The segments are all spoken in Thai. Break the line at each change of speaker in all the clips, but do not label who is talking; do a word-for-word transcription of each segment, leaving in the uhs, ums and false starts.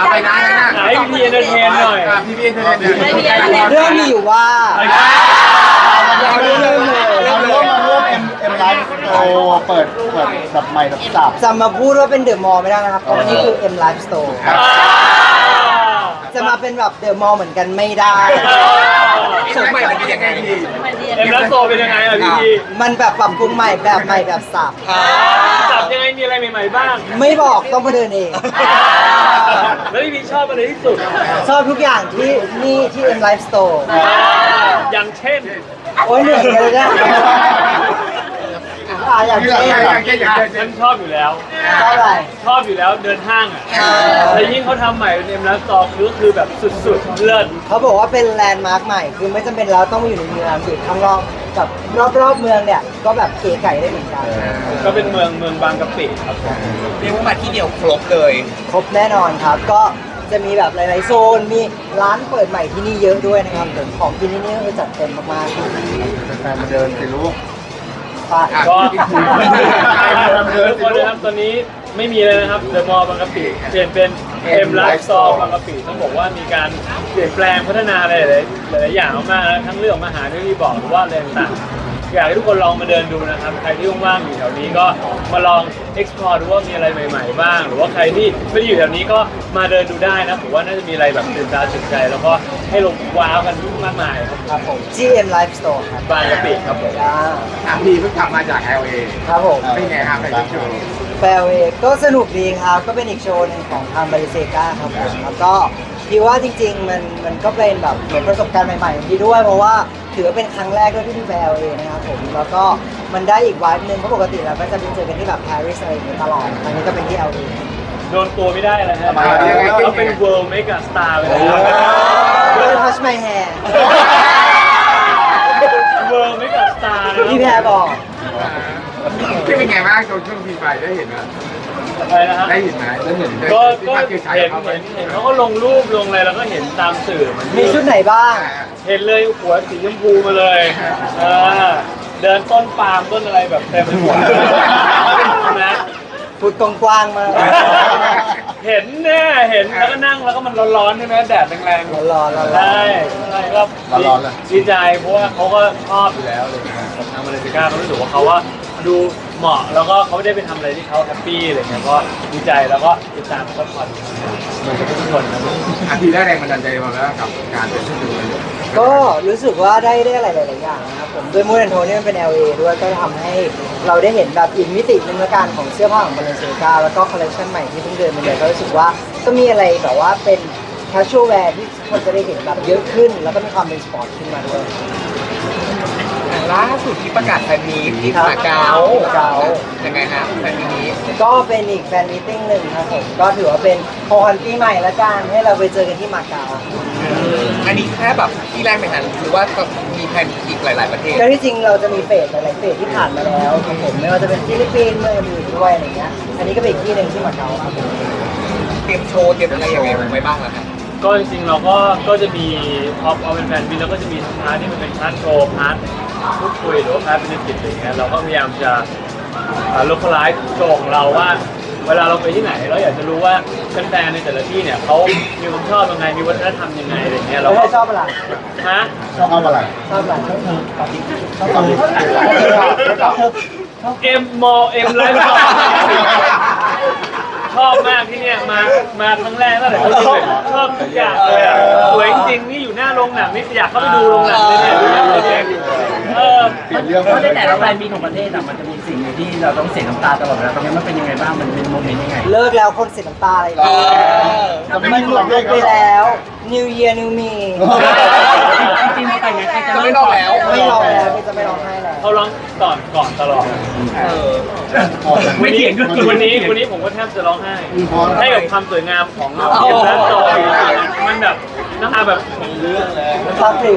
ไปนะ
ให้พี่เอนเตอร์เทนหน่อย
พี่พี่เอนเตอร์เทนหน่อย
เรื่องมีอยู่ว่า
เราเริ่มเลยเราเริ่มมาเริ่มเอ็มเอ็มไลฟ์โตเปิดเปิดแบบใหม่แบบสับ
จะมาพูดว่าเป็นเดอะมอลล์ไม่ได้นะครับเพราะนี่คือ M Life Store จะมาเป็นแบบเดอะมอลล์เหมือนกันไม่ได้
สมัยมันเป็นยังไงพี่
เอ็มรัสโซเป็นยังไงอ่ะพี่พี
มันแบบปรับปรุงใหม่แบบใหม่แบบสับ
จับยังไงมีอะไรใหม่ๆบ้าง
ไม่บอกต้องมาเดินเอง
แล้วพี่พีชอบอะไรที่สุด
ชอบทุกอย่างที่นี่ที่ M Life Store
อย่างเช่น
โอ้ยเหนื่อยเลยนะอ่ะอย่าง
อยา
เช่น
กเช่นอยาก
ฉันชอบอยู่แล้ว
เท่าไหร่
ชอบอยู่แล้วเดินห้างอ่ะแต่ยิ่งเขาทำใหม่เป็นเอ็มรัสโซคือคือแบบสุดๆเลิศ
เขาบอกว่าเป็นแลนด์มาร์คใหม่ คือไม่จำเป็นแล้วต้องมาอยู่ในเมืองอยู่ข้างนอกกับรอบๆเมืองเนี่ย ก็แบบเก๋ไก่ได้เหมือนกัน
ก็เป็นเมืองเมืองบางกะปิครับ
เรียกว่ามาที่เดียวครบเลย
ครบแน่นอนครับ ก็จะมีแบบหลายๆโซน มีร้านเปิดใหม่ที่นี่เยอะด้วยนะครับผมของที่นี่นี่ก็คือจัดเต็มมากๆครับ
แฟนมาเดินสิลูก
ป่ะ
ก็ทุกคนนะครับตอนนี้ไม่มีเลยนะครับเดอะมอลล์บางกะปิเปลี่ยนเป็นเอ็มไลฟ์สโตร์บางกะปิต้องบอกว่ามีการเปลี่ยนแปลงพัฒนาอะไรหลายหลายอย่างมากๆนะทั้งเรื่องของอาหารที่พี่บอกหรือว่าอะไรต่างๆอยากให้ทุกคนลองมาเดินดูนะครับใครที่ว่างๆอยู่แถวนี้ก็มาลอง explore ดูว่ามีอะไรใหม่ๆบ้าง หรือว่าใครที่ไม่ได้อยู่แถวนี้ก็มาเดินดูได้นะผมว่าน่าจะมีอะไรแบบตื่นตาตื่นใจ แล้วก็ให้ลงว้าวกันมากมายครับ
ครับผม จี เอ็ม Life Store ครับ
บางกะปิครับผม
จ้า
อ่ะพี่เพิ่งกลับมาจาก แอล เอ
ครับผม
เป็นไงครับไปโชว์
แฟร์เวย์ก็สนุกดีครับ ก็เป็นอีกโชว์หนึงของทางบริเซกาครับผมแล้วก็คิดว่าจริงๆ มันมันก็เป็นแบบเหมือนประสบการณ์ใหม่ๆของพี่ด้วย เพราะว่าถือว่าเป็นครั้งแรกด้วยที่ที่แฟร์เวย์นะครับผม แล้วก็มันได้อีกวายหนึ่งเพราะปกติเราก็จะไปเจอกันที่แบบปารีสอะไรอย่างเงี้ยตลอดครั้งนี้ก็เป็นที่ แอล เอ
โดนตัวไม่ได้เลยฮะ
ทำไมอ่ะ
เขาเป็น world mega star ไปแล้ว
Don't touch my hair
world mega star นะ
พี่แพรบอก
ที่เป็นไงบ้างโชว์ช่วงพีไฟได้เห็นไหม
อะไรนะฮะ
ได้เห็นไหมได้เห็น
ก็
ที่
ก็
มาคือฉาย
เห็น
เขาไป
เห็นเห็นเขาก็ลงรูปลงอะไรแล้วก็เห็นตามสื่อมัน
มีชุดไหนบ้าง
เห็นเลยหัวสีชมพูมาเลยเออเดินต้นปาล์มต้นอะไรแบบเต็มไปหมดนะ
พูดกว้างๆมาก
เห็นแน่เห็นแล้วก็นั่งแล้วก็มันร้อนๆใช่ไหมแดดแรงๆ
ร้อนๆร้อนๆ
ใช่ใช่ก็
ร้อนๆเลย
ดีใจเพราะว่าเขาก็ชอบอยู่แล้วเลยกับทางมาเลเซียเขารู้สึกว่าเขาว่าดูเหมาะแล้วก็เขาได้ไปทำอะไรที่เขาแฮปปี้อะไรเงี้ยก็ดีใจแล้วก็ติดตามซัพพอร์ตเหมือนกับทุกคนนะ
อาทิตย์ได้แรงบันดาลใจมาแล้วกับการเป็นผู้ดู
ก็รู้สึกว่าได้ได้อะไรหลาย ๆ อย่างนะครับผมด้วยมูดแอนโทนี่มันเป็น แอล เอ ด้วยก็ทำให้เราได้เห็นแบบอีกมิติหนึ่งละกันของเสื้อผ้าของบาเลนเซียแล้วก็คอลเลคชันใหม่ที่เพิ่งเดินมาเลยก็รู้สึกว่าก็มีอะไรแบบว่าเป็น casual wear ที่คนจะได้เห็นแบบเยอะขึ้น แล้วก็มีความเป็นสปอร์ตขึ้นมาด้วย
ล่าสุดที่ประกาศแฟนมีตที่มาเก๊า
เก๊า
ยังไงฮะแฟนมีต
ก็เป็นอีกแฟนมิทติ้งหนึ่งครับผมก็ถือว่าเป็นโฮฮันปีใหม่ละกันให้เราไปเจอกันที่มาเก๊า
อันนี้แค่แบบที่แรกไหมฮะหรือว่ามีแผนอีกหลาย ๆ ประเทศ
ก็ที่จริงเราจะมีเฟสหลายๆเฟสที่ผ่านมาแล้วครับผมไม่ว่าจะเป็นฟิลิปปินส์เมืองอื่นด้วยอะไรเงี้ยอันนี้ก็เป็นอีกที่หนึ่งที่มาเก๊าครับผม
เตรียมโชว์เตรียมอะไรยังไงไว้บ้างล่ะครับ
ก็จริงๆเราก็ก็จะมีท็อปเอาเป็นแฟนบินแล้วก็จะมีพาร์ทที่มันเป็นพาร์ทโชว์พาร์ทพูดคุยหรือว่าพาร์ทเป็นกิจอะไรเงี้ยเราก็พยายามจะโลคอลไลซ์โชว์ของเราว่า เวลาเราไปที่ไหนเราอยากจะรู้ว่าแฟนๆในแต่ละที่เนี่ยเขามีความชอบยังไงมีวัฒนธรรมยังไงอะไรเงี้ยเรา
แล้ว
ก็
ให้ชอบอะไร
ฮะ
ชอบอะไร
ชอบอะไรชอบเธอตอบดิชอบเธอ
เอ็มมอเอ็มไลฟ์ชอบมากที่เนี่ยมามาครั้งแรกตั้งแต่เขาดูเลยชอบทุกอย่างเลยอ่ะสวยจริงๆนี่อยู่หน้าโรงหนังนี่อยากเข้าไปดูโรงหนังเลยเนี่ยดูหนังเลยเนี่ยเออ
เปลี่ยนเรื่อง
เพราะในแต่ละแบรนด์มีของประเทศอะมันจะมีสิ่งหนึ่งที่เราต้องเสียน้ำตาตลอดเวลาตรงนี้มันเป็นยังไงบ้าง มันเป็นโมเมนต์ยังไง
เลิกแล้วคนเสียน้ำตาอะไรอย่างเงี้ย
จะไม่
มัน
มี
หม
หรอ
ด
ก
ไป
ด้วย
แล้ว New Year New Me
จริงๆไปไงใครจะ
จะไม่รอแล้ว
ไม่ร้องแล้วพี่จะไม่ร้องไห้แล้ว
เขาร้องก่อนก่อนตลอด
เออ
ไม่เถียงด้วย
วันนี้วันนี้ผมก็แทบจะร้องไห้ให้กับความสวยงามของเอ็มและโซมันแบบน้ำตาแบบเรื่องเลย
มันซาพริม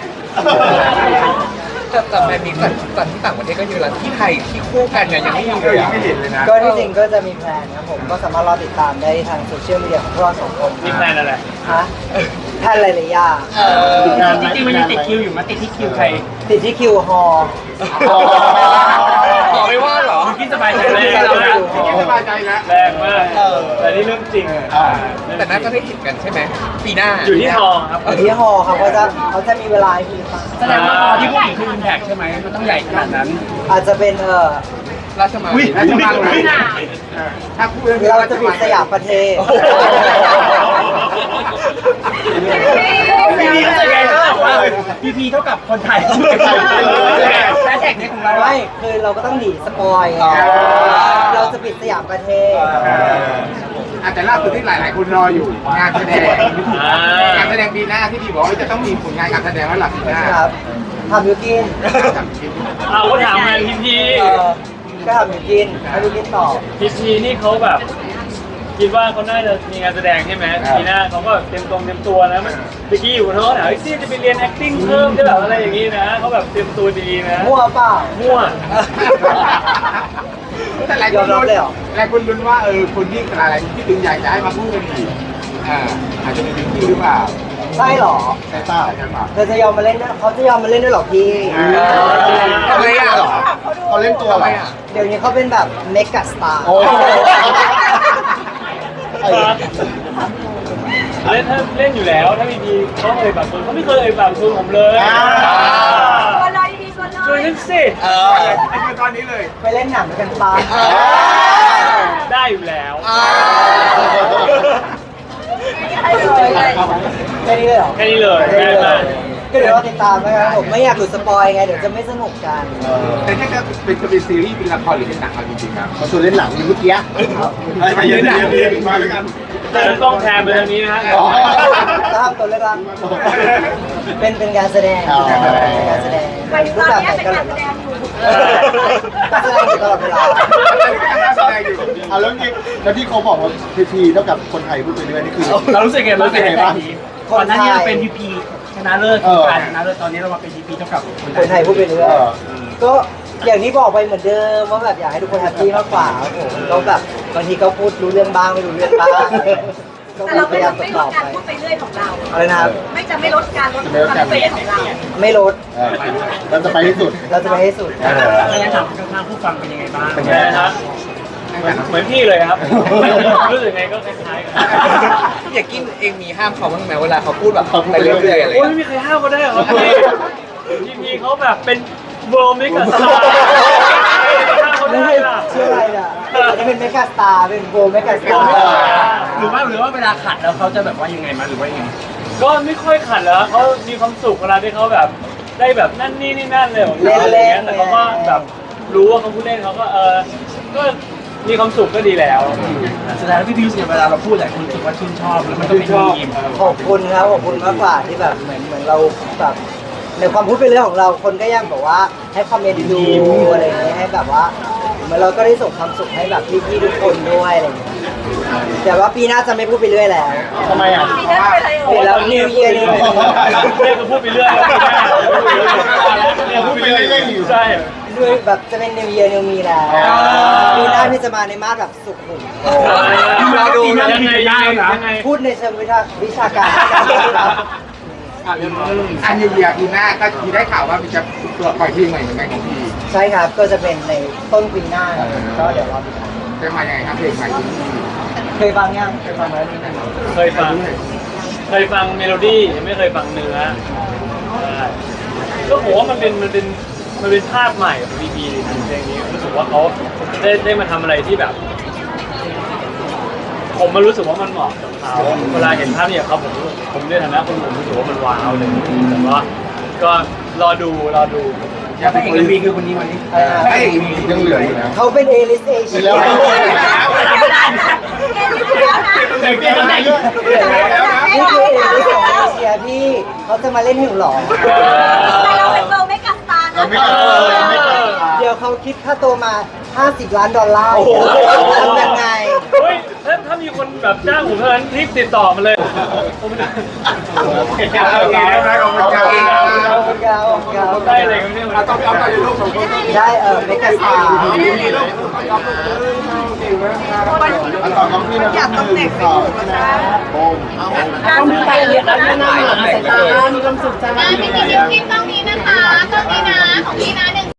แต่แต่แฟนมีตก่อนก่อนที่ต่างประเทศก็เยอะแล้วที่ไทยที่คู่กันเนี่ยยังไม่มีเลยยังไม่เห็นเลยนะ
ก็ที่จริงก็จะมีแพลนครับผมก็สามารถรอติดตามได้ทางโซเชียลมีเดียของพวกเราสองคน
มีแพลนอะไร
ฮะแทนหลายๆอย่าง
จริงๆมันยังติดคิวอยู่มาติดที่คิวใคร
ติดที่คิวฮอ
ขอไม่ว่าเหรอ
พี่สบายใจ
แร
เลย
ง
เรา
มาก
สบายใจแล้ว
แรงมากแต่นี่เรื่องจริง
อ่า
แต่น่าจะได้เห็นกันใช่ไหมปีหน้า
อยู่ที่ทองครับ
อยู่ที่ฮอครับเขาจะเขาจะมีเวลาให้พี่ฟัง
แสดงว่าตอนที่พูดถึงคืออิมแพกใช่ไหมมันต้องใหญ่ขนาดนั้น
อาจจะเป็นเออ
ราชมัง
อุ๊ย
ราชมังไหน
ถ้าพูดเรื่อง
เราจะปิดสยามประเทศ
พี่พีรู้สึกไงก็บอกว่าพีพีเท่ากับคนไทยแฮชแท็กนี้ของเรา
ไม่คือเราก็ต้องหนีสปอยไงเราจะปิดสยามประเทศ
อาจจะล่าสุดที่หลาย ๆ คนรออยู่งานแสดง
อ่าง
านแสดงปีหน้าที่พี่บอกว่าจะต้องมีผลงานการแสดงแล้วหลังปีหน้า
ครับทำยูกิน
เอาก็ถามมาพีพี
เออก็ทำยูกินให้ยูกินต่อ
พีพีนี่เขาแบบ คิดว่าเขาน่าจะมีงานแสดงใช่ไหมปีหน้าเขาก็เตรียมตรงเตรียมตัวนะมันเมื่อกี้อยู่เขาถามไอ้ซี่จะไปเรียน acting เพิ่มได้แบบอะไรอย่างนี้นะเขาแบบเตรียมตัวดีนะ
มั่วเปล่า
มั่ว
แต่หลายคนลุ้นหลายคนลุ้นว่าเออคนที่อะไรที่ดึงอยากจะให้มาพูดกันอีกอ่าอาจจะเป็นพิงกี้หรือเปล่า
ใช่เหรอ
ใช่เปล่าใช่เปล่า
เธอจะยอมมาเล่นด้วยเขาจะยอมมาเล่นด้วยเหรอพี่
ทำไมอ่ะเหรอ
เขาเล่นตัว
ทำ
อะไร
ไม
อ่ะ
อ่ะ
เดี๋ยวนี้เขาเป็นแบบเมกะสตาร์
โอ้
เล่นถ้าเล่นอยู่แล้วถ้าพีพีเขาเอ่ยปากชวนเขาไม่เคยเอ่ยปากชวนผมเลย
คนเลยดีคน
ชวน
เลย
ฉันสิ
เออ
ไอ้คือตอนนี้เลย
ไปเล่นหนังด้วยกันปะ
ได้อยู่แล้ว
อ่า
ให้เลยเลย
แค่นี้เลยเหรอ
แค่นี้เลยง่ายมาก
ก็เดี๋ยวเราติดตามนะครับผมไม่อยากหลุดสปอยไงเดี๋ยวจะไม่สนุกกัน
แต่นี่ก็เป็นจะเป็นซีรีส์เป็นละครหรือเป็นหนังเอาจริงๆครับเขาชวนเล่นหนังเมื่อกี้ไปเล่นหนังมาแล้วกัน
แต่ต้องแทนไปทางนี้นะฮะ
ก็ทำตัวเล็กละเป็นเป็นการแสดง
อ๋อ
เป็นการแสดง
ไปตอนนี้เป็นการแสดงอยู่
การแสดงอยู่ตลอดเวลา
เอาแล้วที่แล้วที่เขาบอกว่าพีพีเท่ากับคนไทยพูดไปเรื่อยนี่คือ
เรารู้สึกไงบ้าง
รู้สึกไงบ้าง
ก่อนหน้านี้เราเป็นพีพีชนะเลิศการชนะเลิศตอนนี้เรามาเป็นพีพีเท่ากับคน
คนไท
ไท
ย
ย
พูดไปเรื่อย
เออ
ก็อย่างที่บอกไปเหมือนเดิมว่าแบบอยากให้ทุกคนแฮปปี้มากกว่าครับผมก็แบบบางทีก็พูดรู้เรื่องบ้างไม่รู้เรื่องบ้างก็
แต่เรา
พ
ไม่
ยายามต
ไม่ล
อ
ด
บ
การ
ไป
พูดไปเรื่อยของเรา
อะไรนะครับ
ไม่จะไม่ลดการลดการพูดไปเรื่อยของเรา
ไม่ลด
เออเราจะไปที่สุด
เราจะไปให้สุด
ไม่งั้นถามข้างๆผู้ฟังเป็นยังไงบ้าง
เป็นไงครับเหมือนเหมือนพี่เลยครับ รู้สึกไงก็คล้ายๆกัน
อยากกินเองมีห้ามเขาบ้างไหมเวลาเขาพูดแบบไปเรื่อยๆอะไร
โอ้ย
เงี้ย
ไม่มีใครห้ามเขาได้หรอครับพี่พี่พีเขาแบบเป็นเวิร์มมิกาสตาร์ห้ามเขา
ไม่
ได้
ใช่
ล่ะ
ชื่ออะไรอ่ะอันนี้เป็นเมกาสตาร์เป็นโบเมกาสตาร์
หรือว่าหรือว่าเวลาขัดแล้วเขาจะแบบว่ายังไงมาหรือว่ายังไง
ก็ไม่ค่อยขัดแล้วเขามีความสุขเวลาที่เขาแบบได้แบบนั่นนี่นี่นั่นเลยของเขาอะไรเงี้ยแต่เขาก็แบบรู้ว่าเขาพูดเล่นเขาก็เออก็มีความสุขก็ดีแล้ว
แสดงว่าพี่พีรู้สึกเวลาเราพูดหลายคนรู้สึกว่าชื่นชอบแล้วมันก็เป็นมีม
ขอบคุณครับขอบคุณมากกว่าที่แบบเหมือนเหมือนเราแบบในความพูดเป็นเรื่องของเราคนก็ยังแบบว่าให้คอมเมนต์ดูอะไรอย่างเงี้ยให้แบบว่าเหมือนเราก็ได้ส่งความสุขให้แบบพี่ๆทุกคนด้วยอะไรอย่างเงี้ยแต่ว่าปีหน้าจะไม่พูดไปเรื่อยแล้ว
ทำไมอ่ะ
มีได้ไปเลย
เปลี่ยนแล้ว New Year New Me
เนี่ยคือพูดไปเรื่อยเนี่ยพูดไปเรื่อยใช่
ด้วยแบบจะเป็น New Year New Me แล้วปีหน้าที่จะมาในมาสแบบสุขุม
รอดูยังไงยังไง
พูดในเชิงวิชาวิชาการ
อันยูเยียปีหน้าก็มีได้ข่าวว่ามีจะตัวปล่อยเพลงใหม่เหมือนกันของพี่
ใช่ครับก็จะเป็นในต้นปีหน้าครับก็เดี๋ยวรอติดตาม
จะมายังไงครับเพลงใหม่ของพี่
เคยฟังยังเคยฟังไหม
เคยฟัง เคยฟังเมโลดี้ยังไม่เคยฟังเนื้อใช่ก็ผมว่ามันเป็นมันเป็นมันเป็นภาพใหม่ของพีพีเพลงนี้รู้สึกว่าเขาได้ได้มาทำอะไรที่แบบ ผมมารู้สึกว่ามันเหมาะกับเขาเวลาเห็นภาพนี้กับเขาผมรู้สึกผมในฐานะคนผมรู้สึกว่ามันว้าวเลยแต่ว่าก็รอดูรอดู
อยากเป็นเอกวีคือคนนี้วันนี้
ไอ้ยังเหลืออยู่นะ
เขาเป็นเอลิสเอเชีย
แล้ว
เด็กเด็กไหน
นี่คือเอลิสของเอเชียพี่เขาจะมาเล่นหิวหรอ
แต่เราเป็นเบลไม่กัดตา
เรา
นะ
ไม่กล้าเราไม่กล้า
เดี๋ยวเขาคิดค่าตัวมาห้าสิบล้านดอลลาร์ทำยังไง
เฮ้ยถ้าถ้ามีคนแบบจ้างผมเท่านั้นรีบติดต่อมาเลยผมไม่ได้
โอเคนะขอบคุณครับ
ขอบคุณครับขอบคุณครับ
ได้อะไรกันเนี่ย
เราต้องเอาไปลูกสองคน
ได้เออเมกาสตาร์
โอเคอันต่อต้องพี่นะอยากต้องเด็กสองนะโอ้เอา
ต้องมีการเรียนแล้วหน้าหนาสายตามีความสุขใจ
พี่พี่พี่ต้องนี้นะคะต้องนี้นะของพี่นะหนึ่ง